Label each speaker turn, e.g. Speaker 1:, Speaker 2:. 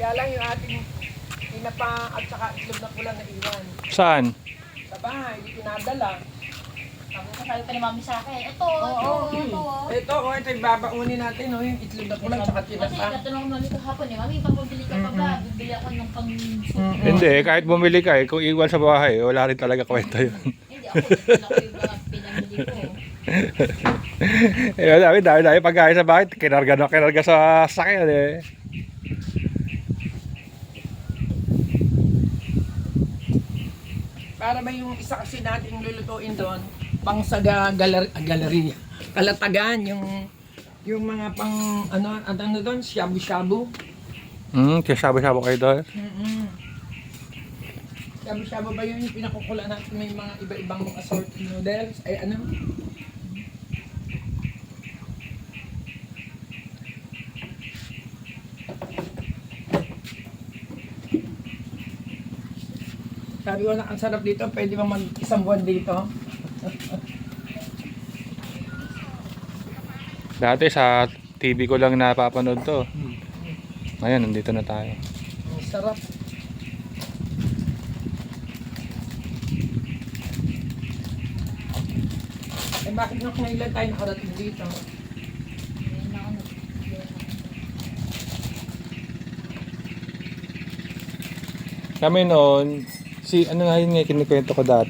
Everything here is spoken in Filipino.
Speaker 1: Kaya lang yung ating tinapa at saka itlog na pula na iwan.
Speaker 2: Saan?
Speaker 1: Sa bahay, hindi pinadala.
Speaker 3: Tapos sabi pa ni mami sa akin, ito.
Speaker 1: Ito yung babaunin natin, oh, yung itlog na pula at saka
Speaker 3: Kasi
Speaker 1: tinapa.
Speaker 3: katanong mami kahapon eh, mami, pag bumili ka pa ba? Bibili ako ng pang
Speaker 2: Hindi, kahit bumili ka kung iwan sa bahay, wala rin talaga kwenta yun.
Speaker 3: Hindi ako, yung mga pinamili ko.
Speaker 2: Dami pagkain sa bahay, kinarga sa sakyan eh.
Speaker 1: Para ba yung isa kasi nating lulutuin doon, pang sa galleria. Kalatagan, yung mga pang, ano doon, shabu-shabu.
Speaker 2: Kaya sabi-sabi kayo doon.
Speaker 1: Shabu-shabu ba yun yung pinakukula natin, may mga iba-ibang assorted noodles, ay ano? Sabi ko na, ang sarap dito, pwede bang mag-isang buwan dito?
Speaker 2: Dati sa TV ko lang napapanood to. Ngayon, nandito na tayo.
Speaker 1: Ang sarap. Eh bakit nga kailan tayo nakarating dito?
Speaker 2: Kami noon, ano nga yun nga kinikwento ko dati.